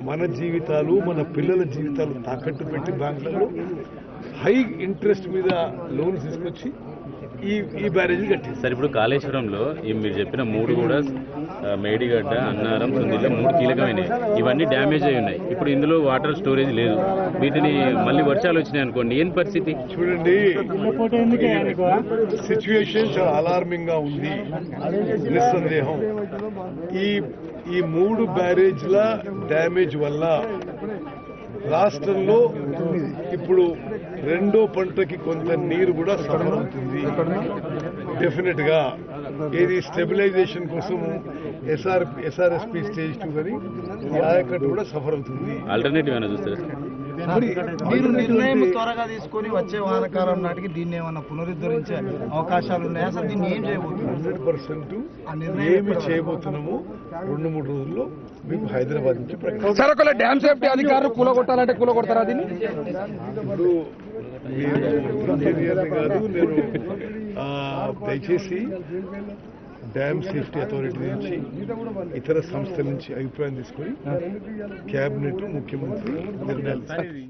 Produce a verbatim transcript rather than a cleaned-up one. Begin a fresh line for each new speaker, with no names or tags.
మన జీవితాలు మన పిల్లల జీవితాలు తాకట్టు పెట్టి బ్యాంకులలో హై ఇంట్రెస్ట్ మీద లోన్స్ తీసుకొచ్చి ఈ ఈ బ్యారేజీ కట్టింది.
సార్ ఇప్పుడు కాళేశ్వరంలో ఈ మీరు చెప్పిన మూడు కూడా మేడిగడ్డ, అన్నారం, సుందిల్ల మూడు కీలకమైనవి. ఇవన్నీ డ్యామేజ్ అయి ఉన్నాయి. ఇప్పుడు ఇందులో వాటర్ స్టోరేజ్ లేదు. వీటిని మళ్ళీ వర్షాలు వచ్చినాయి అనుకోండి, ఏం పరిస్థితి?
చూడండి, సిచ్యువేషన్ చాలా అలార్మింగ్ గా ఉంది. నిస్సందేహం ఈ ఈ మూడు బ్యారేజ్ల డ్యామేజ్ వల్ల రాష్ట్రంలో ఇప్పుడు రెండో పంటకి కొంత నీరు కూడా సఫర్ అవుతుంది. డెఫినెట్ గా ఏది స్టెబిలైజేషన్ కోసం ఎస్ఆర్ ఎస్ఆర్ఎస్పీ స్టేజ్ టూ కానీ ఈ ఆయకట్టు కూడా సఫర్ అవుతుంది.
ఆల్టర్నేటివ్ ఏమైనా చూస్తారు?
మీరు నిర్ణయం త్వరగా తీసుకొని వచ్చే వానకాలం నాటికి దీన్ని ఏమన్నా పునరుద్ధరించే అవకాశాలు ఉన్నాయా? అసలు దీన్ని ఏం చేయబోతున్నారు?
హండ్రెడ్ పర్సెంట్ ఏమి చేయబోతున్నాము రెండు మూడు రోజుల్లో మీకు హైదరాబాద్ నుంచి
సార్ ఒకవేళ డ్యామ్ సేఫ్టీ అధికారులు కూలగొట్టాలంటే కూలగొడతారా దీన్ని?
ఇప్పుడు మీరు కాదు, నేను దయచేసి డ్యామ్ సేఫ్టీ అథారిటీ నుంచి ఇతర సంస్థల నుంచి అభిప్రాయం తీసుకొని కేబినెట్ ముఖ్యమంత్రి నిర్ణయాలు